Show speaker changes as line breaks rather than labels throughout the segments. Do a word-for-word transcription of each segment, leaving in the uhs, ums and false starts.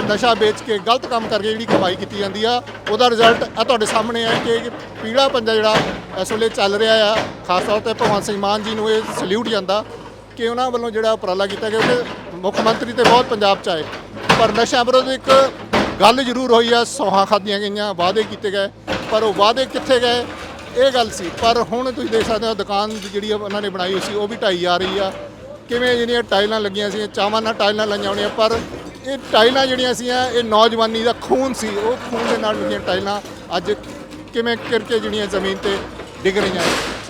ਨਸ਼ਾ ਵੇਚ ਕੇ ਗਲਤ ਕੰਮ ਕਰਕੇ ਜਿਹੜੀ ਕਮਾਈ ਕੀਤੀ ਜਾਂਦੀ ਆ ਉਹਦਾ ਰਿਜ਼ਲਟ ਆ ਤੁਹਾਡੇ ਸਾਹਮਣੇ ਹੈ ਕਿ ਪੀਲਾ ਪੰਜਾ ਜਿਹੜਾ ਇਸ ਵੇਲੇ ਚੱਲ ਰਿਹਾ ਆ। ਖਾਸ ਤੌਰ ਤੇ ਭਗਵੰਤ ਸਿੰਘ ਮਾਨ ਜੀ ਨੂੰ ਇਹ ਸਲੂਟ ਜਾਂਦਾ ਕਿ ਉਹਨਾਂ ਵੱਲੋਂ ਜਿਹੜਾ ਉਪਰਾਲਾ ਕੀਤਾ ਗਿਆ ਕਿ ਮੁੱਖ ਮੰਤਰੀ ਤੇ ਬਹੁਤ ਪੰਜਾਬ 'ਚ ਆਏ, ਪਰ ਨਸ਼ਾ ਵਿਰੋਧ ਇੱਕ ਗੱਲ ਜ਼ਰੂਰ ਹੋਈ ਆ, ਸੌਹਾਂ ਖਾਧੀਆਂ ਗਈਆਂ, ਵਾਅਦੇ ਕੀਤੇ ਗਏ, ਪਰ ਉਹ ਵਾਅਦੇ ਕਿੱਥੇ ਗਏ ਇਹ ਗੱਲ ਸੀ। ਪਰ ਹੁਣ ਤੁਸੀਂ ਦੇਖ ਸਕਦੇ ਹੋ ਦੁਕਾਨ ਜਿਹੜੀ ਉਹਨਾਂ ਨੇ ਬਣਾਈ ਹੋਈ ਸੀ ਉਹ ਵੀ ਢਾਈ ਜਾ ਰਹੀ ਆ। ਕਿਵੇਂ ਜਿਹੜੀਆਂ ਟਾਈਲਾਂ ਲੱਗੀਆਂ ਸੀ, ਚਾਵਾਂ ਨਾਲ ਟਾਈਲਾਂ ਲਾਈਆਂ ਹੋਣੀਆਂ, ਪਰ ਇਹ ਟਾਈਲਾਂ ਜਿਹੜੀਆਂ ਸੀ ਇਹ ਨੌਜਵਾਨੀ ਦਾ ਖੂਨ ਸੀ, ਉਹ ਖੂਨ ਦੇ ਨਾਲ ਜਿਹੜੀਆਂ ਟਾਈਲਾਂ ਅੱਜ ਕਿਵੇਂ ਕਰਕੇ ਜਿਹੜੀਆਂ ਜ਼ਮੀਨ ਤੇ ਡਿੱਗ ਰਹੀਆਂ।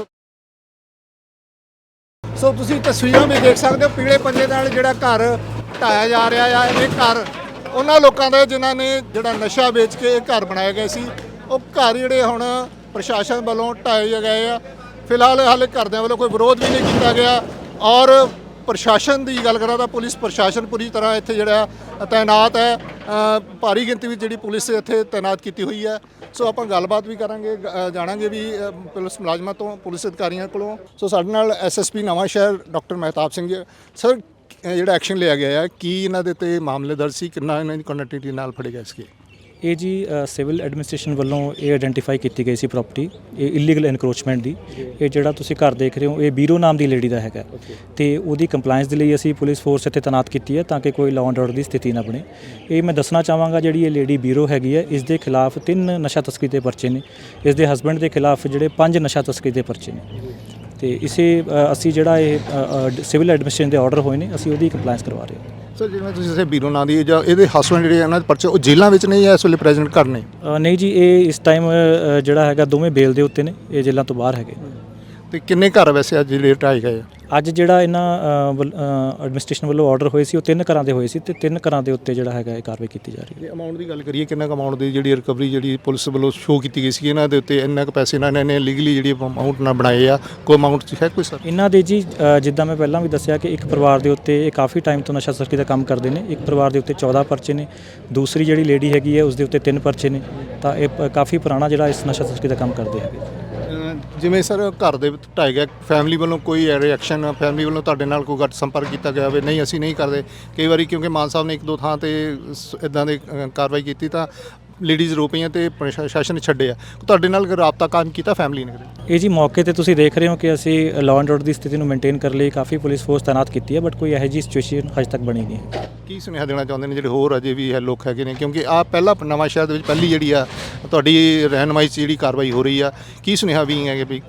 ਸੋ ਤੁਸੀਂ ਤਸਵੀਰਾਂ ਵੀ ਦੇਖ ਸਕਦੇ ਹੋ, ਪੀਲੇ ਪੰਜੇ ਨਾਲ ਜਿਹੜਾ ਘਰ ਢਾਇਆ ਜਾ ਰਿਹਾ ਆ। ਇਹ ਘਰ ਉਹਨਾਂ ਲੋਕਾਂ ਦਾ ਜਿਨ੍ਹਾਂ ਨੇ ਜਿਹੜਾ ਨਸ਼ਾ ਵੇਚ ਕੇ ਇਹ ਘਰ ਬਣਾਏ ਗਏ ਸੀ, ਉਹ ਘਰ ਜਿਹੜੇ ਹੁਣ ਪ੍ਰਸ਼ਾਸਨ ਵੱਲੋਂ ਢਾਏ ਗਏ ਆ। ਫਿਲਹਾਲ ਹਾਲੇ ਘਰਦਿਆਂ ਵੱਲੋਂ ਕੋਈ ਵਿਰੋਧ ਵੀ ਨਹੀਂ ਕੀਤਾ ਗਿਆ। ਔਰ ਪ੍ਰਸ਼ਾਸਨ ਦੀ ਗੱਲ ਕਰਾਂ ਤਾਂ ਪੁਲਿਸ ਪ੍ਰਸ਼ਾਸਨ ਪੂਰੀ ਤਰ੍ਹਾਂ ਇੱਥੇ ਜਿਹੜਾ ਤੈਨਾਤ ਹੈ, ਭਾਰੀ ਗਿਣਤੀ ਵਿੱਚ ਜਿਹੜੀ ਪੁਲਿਸ ਇੱਥੇ ਤੈਨਾਤ ਕੀਤੀ ਹੋਈ ਹੈ। ਸੋ ਆਪਾਂ ਗੱਲਬਾਤ ਵੀ ਕਰਾਂਗੇ, ਜਾਣਾਂਗੇ ਵੀ ਪੁਲਿਸ ਮੁਲਾਜ਼ਮਾਂ ਤੋਂ, ਪੁਲਿਸ ਅਧਿਕਾਰੀਆਂ ਕੋਲੋਂ। ਸੋ ਸਾਡੇ ਨਾਲ ਐਸ ਐਸ ਪੀ ਨਵਾਂ ਸ਼ਹਿਰ ਡਾਕਟਰ ਮਹਿਤਾਬ ਸਿੰਘ ਜੀ। ਸਰ, ਜਿਹੜਾ ਐਕਸ਼ਨ ਲਿਆ ਗਿਆ ਹੈ, ਕੀ ਇਹਨਾਂ ਦੇ ਤੇ ਮਾਮਲੇ ਦਰਜ ਸੀ, ਕਿੰਨਾ ਇਹਨਾਂ ਦੀ ਕੁਆਂਟੀਟੀ ਨਾਲ ਫੜੇ ਗਏ ਸੀਗੇ?
ਇਹ ਜੀ ਸਿਵਲ ਐਡਮਿਨਿਸਟ੍ਰੇਸ਼ਨ ਵੱਲੋਂ ਇਹ ਆਇਡੈਂਟੀਫਾਈ ਕੀਤੀ ਗਈ ਸੀ ਪ੍ਰੋਪਰਟੀ, ਇਹ ਇਲੀਗਲ ਇਨਕਰੋਚਮੈਂਟ ਦੀ। ਇਹ ਜਿਹੜਾ ਤੁਸੀਂ ਘਰ ਦੇਖ ਰਹੇ ਹੋ ਇਹ ਬੀਰੋ ਨਾਮ ਦੀ ਲੇਡੀ ਦਾ ਹੈਗਾ, ਤੇ ਉਹਦੀ ਕੰਪਲਾਈਂਸ ਦੇ ਲਈ ਅਸੀਂ ਪੁਲਿਸ ਫੋਰਸ ਇੱਥੇ ਤੈਨਾਤ ਕੀਤੀ ਹੈ ਤਾਂ ਕਿ ਕੋਈ ਲਾਅ ਐਂਡ ਆਰਡਰ ਦੀ ਸਥਿਤੀ ਨਾ ਬਣੇ। ਇਹ ਮੈਂ ਦੱਸਣਾ ਚਾਹਾਂਗਾ, ਜਿਹੜੀ ਇਹ ਲੇਡੀ ਬੀਰੋ ਹੈਗੀ ਹੈ, ਇਸ ਦੇ ਖਿਲਾਫ ਤਿੰਨ ਨਸ਼ਾ ਤਸਕਰੀ ਦੇ ਪਰਚੇ ਨੇ, ਇਸ ਦੇ ਹਸਬੈਂਡ ਦੇ ਖਿਲਾਫ ਜਿਹੜੇ ਪੰਜ ਨਸ਼ਾ ਤਸਕਰੀ ਦੇ ਪਰਚੇ ਨੇ। ਤੇ ਇਸੇ ਅਸੀਂ ਜਿਹੜਾ ਇਹ ਸਿਵਲ ਐਡਮਿਨਿਸਟ੍ਰੇਸ਼ਨ ਦੇ ਆਰਡਰ ਹੋਏ ਨੇ, ਅਸੀਂ ਉਹਦੀ ਕੰਪਲਾਈਂਸ ਕਰਵਾ ਰਹੇ ਹਾਂ।
ਸਰ, ਜਿਵੇਂ ਤੁਸੀਂ ਇਸੇ ਬੀਰੋ ਨਾਂ ਦੀ ਜਾਂ ਇਹਦੇ ਹਸਬੈਂਡ ਜਿਹੜੇ ਇਹਨਾਂ ਦੇ ਪਰਚੇ ਉਹ ਜੇਲ੍ਹਾਂ ਵਿੱਚ ਨਹੀਂ ਹੈ ਇਸ ਵੇਲੇ ਪ੍ਰੈਜ਼ੈਂਟ ਘਰ ਨੇ?
ਨਹੀਂ ਜੀ, ਇਹ ਇਸ ਟਾਈਮ ਜਿਹੜਾ ਹੈਗਾ ਦੋਵੇਂ ਬੇਲ ਦੇ ਉੱਤੇ ਨੇ, ਇਹ ਜੇਲ੍ਹਾਂ ਤੋਂ ਬਾਹਰ ਹੈਗੇ।
ਤੇ ਕਿੰਨੇ ਘਰ ਵੈਸੇ ਅੱਜ ਜਿਹੜੇ ਢਾਏ ਗਏ ਆ?
ਅੱਜ ਜਿਹੜਾ ਇਹਨਾਂ ਐਡਮਿਨਿਸਟ੍ਰੇਸ਼ਨ ਵੱਲੋਂ ਆਰਡਰ ਹੋਏ ਸੀ ਉਹ ਤਿੰਨ ਘਰਾਂ ਦੇ ਹੋਏ ਸੀ, ਤੇ ਤਿੰਨ ਘਰਾਂ ਦੇ ਉੱਤੇ ਜਿਹੜਾ ਹੈਗਾ ਇਹ ਕਾਰਵਾਈ ਕੀਤੀ ਜਾ ਰਹੀ ਹੈ।
ਅਮਾਊਂਟ ਦੀ ਗੱਲ ਕਰੀਏ, ਕਿੰਨਾ ਕੁ ਅਮਾਊਂਟ ਦੀ ਜਿਹੜੀ ਰਿਕਵਰੀ ਜਿਹੜੀ ਪੁਲਿਸ ਵੱਲੋਂ ਸ਼ੋਅ ਕੀਤੀ ਗਈ ਸੀ, ਇਹਨਾਂ ਦੇ ਉੱਤੇ ਇੰਨਾ ਕੁ ਪੈਸੇ ਇਹਨਾਂ ਨੇ ਲੀਗਲੀ ਜਿਹੜੀ ਅਮਾਊਂਟ ਨਾਲ ਬਣਾਏ ਆ, ਕੋਈ ਅਮਾਊਂਟ ਹੈ ਕੋਈ ਸਰ?
ਇਹਨਾਂ ਦੇ ਜੀ ਜਿੱਦਾਂ ਮੈਂ ਪਹਿਲਾਂ ਵੀ ਦੱਸਿਆ ਕਿ ਇੱਕ ਪਰਿਵਾਰ ਦੇ ਉੱਤੇ ਇਹ ਕਾਫੀ ਟਾਈਮ ਤੋਂ ਨਸ਼ਾ ਤਸਕਰੀ ਦਾ ਕੰਮ ਕਰਦੇ ਨੇ। ਇੱਕ ਪਰਿਵਾਰ ਦੇ ਉੱਤੇ ਚੌਦਾਂ ਪਰਚੇ ਨੇ, ਦੂਸਰੀ ਜਿਹੜੀ ਲੇਡੀ ਹੈਗੀ ਹੈ ਉਸ ਦੇ ਉੱਤੇ ਤਿੰਨ ਪਰਚੇ ਨੇ। ਤਾਂ ਇਹ ਕਾਫੀ ਪੁਰਾਣਾ ਜਿਹੜਾ ਇਸ ਨਸ਼ਾ ਤਸਕਰੀ ਦਾ ਕੰਮ ਕਰਦੇ ਹੈਗੇ।
ਜਿਵੇਂ ਸਰ ਘਰ ਦੇ ਵਿੱਚ ਢਾਏ ਗਿਆ, ਫੈਮਿਲੀ ਵੱਲੋਂ ਕੋਈ ਰਿਐਕਸ਼ਨ, ਫੈਮਿਲੀ ਵੱਲੋਂ ਤੁਹਾਡੇ ਨਾਲ ਕੋਈ ਗੱਟ ਸੰਪਰਕ ਕੀਤਾ ਗਿਆ ਹੋਵੇ? ਨਹੀਂ, ਅਸੀਂ ਨਹੀਂ ਕਰਦੇ। ਕਈ ਵਾਰੀ ਕਿਉਂਕਿ ਮਾਨ ਸਾਹਿਬ ਨੇ ਇੱਕ ਦੋ ਥਾਂ ਤੇ ਇਦਾਂ ਦੀ ਕਾਰਵਾਈ ਕੀਤੀ ਤਾਂ ਲੇਡੀਜ਼ ਰੋ ਪਈਆਂ ਤੇ ਪ੍ਰਸ਼ਾਸਨ ਨੇ ਛੱਡੇ ਆ। ਤੁਹਾਡੇ ਨਾਲ ਰਾਬਤਾ ਕਾਇਮ ਕੀਤਾ ਫੈਮਿਲੀ ਨੇ?
ਇਹ ਜੀ ਮੌਕੇ ਤੇ ਤੁਸੀਂ ਦੇਖ ਰਹੇ ਹੋ ਕਿ ਅਸੀਂ ਲਾਅ ਐਂਡ ਆਰਡਰ ਦੀ ਸਥਿਤੀ ਨੂੰ ਮੇਨਟੇਨ ਕਰਨ ਲਈ ਕਾਫੀ ਪੁਲਿਸ ਫੋਰਸ ਤੈਨਾਤ ਕੀਤੀ ਹੈ, ਬਟ ਕੋਈ ਇਹੋ ਜਿਹੀ ਸਿਚੁਏਸ਼ਨ ਹਜੇ ਤੱਕ ਬਣੀ ਨਹੀਂ ਹੈ।
ਕੀ ਸੁਨੇਹਾ ਦੇਣਾ ਚਾਹੁੰਦੇ ਨੇ ਜਿਹੜੇ ਹੋਰ ਅਜੇ ਵੀ ਹੈ ਲੋਕ ਹੈਗੇ ਨੇ, ਕਿਉਂਕਿ ਆ ਪਹਿਲਾ ਨਵਾਂ ਸ਼ਹਿਰ ਦੇ ਵਿੱਚ ਪਹਿਲੀ ਜਿਹੜੀ ਆ ਤੁਹਾਡੀ ਰਹਿਨਮਾਈ 'ਚ ਜਿਹੜੀ ਕਾਰਵਾਈ ਹੋ ਰਹੀ ਆ, ਕੀ ਸੁਨੇਹਾ ਵੀ ਹੈਗੇ ਵੀ?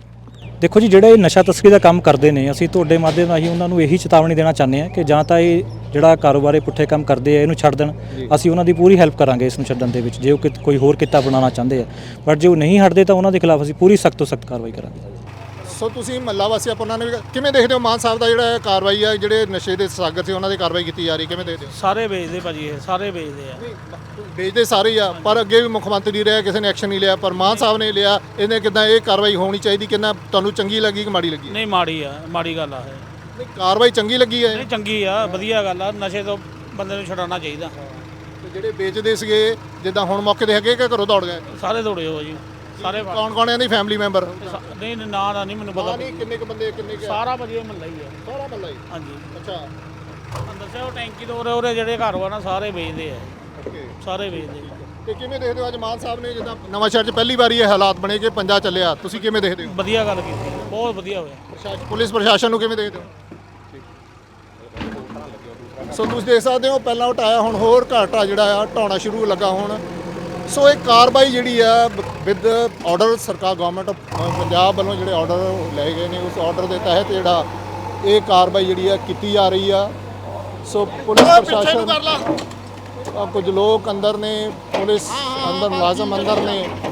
ਦੇਖੋ ਜੀ, ਜਿਹੜੇ ਨਸ਼ਾ ਤਸਕਰੀ ਦਾ ਕੰਮ ਕਰਦੇ ਨੇ, ਅਸੀਂ ਤੁਹਾਡੇ ਮਾਧਿਅਮ ਰਾਹੀਂ ਉਹਨਾਂ ਨੂੰ ਇਹੀ ਚੇਤਾਵਨੀ ਦੇਣਾ ਚਾਹੁੰਦੇ ਹਾਂ ਕਿ ਜਾਂ ਤਾਂ ਇਹ ਜਿਹੜਾ ਕਾਰੋਬਾਰੀ ਪੁੱਠੇ ਕੰਮ ਕਰਦੇ ਆ ਇਹਨੂੰ ਛੱਡ ਦੇਣ। ਅਸੀਂ ਉਹਨਾਂ ਦੀ ਪੂਰੀ ਹੈਲਪ ਕਰਾਂਗੇ ਇਸ ਨੂੰ ਛੱਡਣ ਦੇ ਵਿੱਚ, ਜੇ ਉਹ ਕੋਈ ਹੋਰ ਕਿੱਤਾ ਬਣਾਉਣਾ ਚਾਹੁੰਦੇ ਆ, ਬਟ ਜੇ ਉਹ ਨਹੀਂ ਹਟਦੇ ਤਾਂ ਉਹਨਾਂ ਦੇ ਖਿਲਾਫ ਅਸੀਂ ਪੂਰੀ ਸਖਤ ਤੋਂ ਸਖਤ ਕਾਰਵਾਈ ਕਰਾਂਗੇ।
ਸੋ ਤੁਸੀਂ ਮਹੱਲਾ ਵਾਸੀ ਆਪਾਂ ਉਹਨਾਂ ਨੇ ਕਿਵੇਂ ਦੇਖਦੇ ਹੋ ਮਾਨ ਸਾਹਿਬ ਦਾ ਜਿਹੜਾ ਕਾਰਵਾਈ ਆ, ਜਿਹੜੇ ਨਸ਼ੇ ਦੇ ਸਾਗਰ ਸੀ ਉਹਨਾਂ ਦੀ ਕਾਰਵਾਈ ਕੀਤੀ ਜਾ ਰਹੀ, ਕਿਵੇਂ ਦੇਖਦੇ ਹੋ?
ਸਾਰੇ ਵੇਚਦੇ ਭਾਜੀ, ਇਹ ਸਾਰੇ ਵੇਚਦੇ ਆ।
ਵੇਚਦੇ ਸਾਰੇ ਹੀ ਆ, ਪਰ ਅੱਗੇ ਵੀ ਮੁੱਖ ਮੰਤਰੀ ਰਿਹਾ, ਕਿਸੇ ਨੇ ਐਕਸ਼ਨ ਨਹੀਂ ਲਿਆ, ਪਰ ਮਾਨ ਸਾਹਿਬ ਨੇ ਲਿਆ। ਇਹਨੇ ਕਿੱਦਾਂ ਇਹ ਕਾਰਵਾਈ ਹੋਣੀ ਚਾਹੀਦੀ, ਕਿੰਨਾ ਤੁਹਾਨੂੰ ਚੰਗੀ ਲੱਗੀ ਕਿ ਮਾੜੀ ਲੱਗੀ?
ਨਹੀਂ, ਮਾੜੀ ਆ, ਮਾੜੀ ਗੱਲ ਆ ਇਹ।
ਨਹੀਂ, ਕਾਰਵਾਈ ਚੰਗੀ ਲੱਗੀ ਹੈ?
ਨਹੀਂ, ਚੰਗੀ ਆ, ਵਧੀਆ ਗੱਲ ਆ। ਨਸ਼ੇ ਤੋਂ ਬੰਦੇ ਨੂੰ ਛੁਡਾਉਣਾ ਚਾਹੀਦਾ।
ਤੇ ਜਿਹੜੇ ਵੇਚਦੇ ਸੀਗੇ ਜਿੱਦਾਂ ਹੁਣ ਮੌਕੇ ਤੇ ਹੈਗੇ ਕਿ ਘਰੋਂ ਦੌੜ ਗਏ?
ਸਾਰੇ ਦੌੜੇ ਹੋ ਜੀ, ਸਾਰੇ।
ਕੌਣ ਕੌਣ ਇਹਦੀ ਫੈਮਿਲੀ ਮੈਂਬਰ?
ਨਹੀਂ, ਨਾਂ ਦਾ ਨਹੀਂ ਮੈਨੂੰ ਪਤਾ।
ਨਹੀਂ, ਕਿੰਨੇ ਕੁ ਬੰਦੇ, ਕਿੰਨੇ ਕੁ?
ਸਾਰਾ ਭਾਜੀ ਇਹ ਮਹੱਲਾ ਹੀ ਆ,
ਸਾਰਾ ਮਹੱਲਾ ਹੀ?
ਹਾਂਜੀ।
ਅੱਛਾ,
ਤੁਹਾਨੂੰ ਦੱਸਿਆ ਉਹ ਟੈਂਕੀ ਤੋਂ ਉਰੇ ਉਰੇ ਜਿਹੜੇ ਘਰ ਵਾ ਨਾ ਸਾਰੇ ਵੇਚਦੇ ਆ,
ਓਕੇ।
ਸਾਰੇ ਵੇਚਦੇ।
ਤੇ ਕਿਵੇਂ ਦੇਖਦੇ ਹੋ ਅੱਜ ਮਾਨ ਸਾਹਿਬ ਨੇ ਜਿੱਦਾਂ ਨਵਾਂ ਸ਼ਹਿਰ 'ਚ ਪਹਿਲੀ ਵਾਰੀ ਇਹ ਹਾਲਾਤ ਬਣੇ ਕਿ ਪੰਜਾ ਚੱਲਿਆ, ਤੁਸੀਂ ਕਿਵੇਂ ਦੇਖਦੇ ਹੋ?
ਵਧੀਆ ਗੱਲ ਕੀਤੀ, ਬਹੁਤ ਵਧੀਆ ਹੋਇਆ।
ਪ੍ਰਸ਼ਾਸਨ, ਪੁਲਿਸ ਪ੍ਰਸ਼ਾਸਨ ਨੂੰ ਕਿਵੇਂ ਦੇਖਦੇ ਹੋ? ਸੋ ਤੁਸੀਂ ਦੇਖ ਸਕਦੇ ਹੋ ਪਹਿਲਾਂ ਉਟਾਇਆ, ਹੁਣ ਹੋਰ ਘਾਟਾ ਜਿਹੜਾ ਆ ਢਾਉਣਾ ਸ਼ੁਰੂ ਲੱਗਾ ਹੁਣ। ਸੋ ਇਹ ਕਾਰਵਾਈ ਜਿਹੜੀ ਆ ਵਿਦ ਆਰਡਰ ਸਰਕਾਰ ਗਵਰਨਮੈਂਟ ਆਫ ਪੰਜਾਬ ਵੱਲੋਂ ਜਿਹੜੇ ਆਰਡਰ ਲਏ ਗਏ ਨੇ, ਉਸ ਆਰਡਰ ਦੇ ਤਹਿਤ ਜਿਹੜਾ ਇਹ ਕਾਰਵਾਈ ਜਿਹੜੀ ਆ ਕੀਤੀ ਜਾ ਰਹੀ ਆ। ਸੋ ਪੁਲਿਸ ਪ੍ਰਸ਼ਾਸਨ, ਕੁਝ ਲੋਕ ਅੰਦਰ ਨੇ, ਪੁਲਿਸ ਅੰਦਰ, ਮੁਲਾਜ਼ਮ ਅੰਦਰ ਨੇ,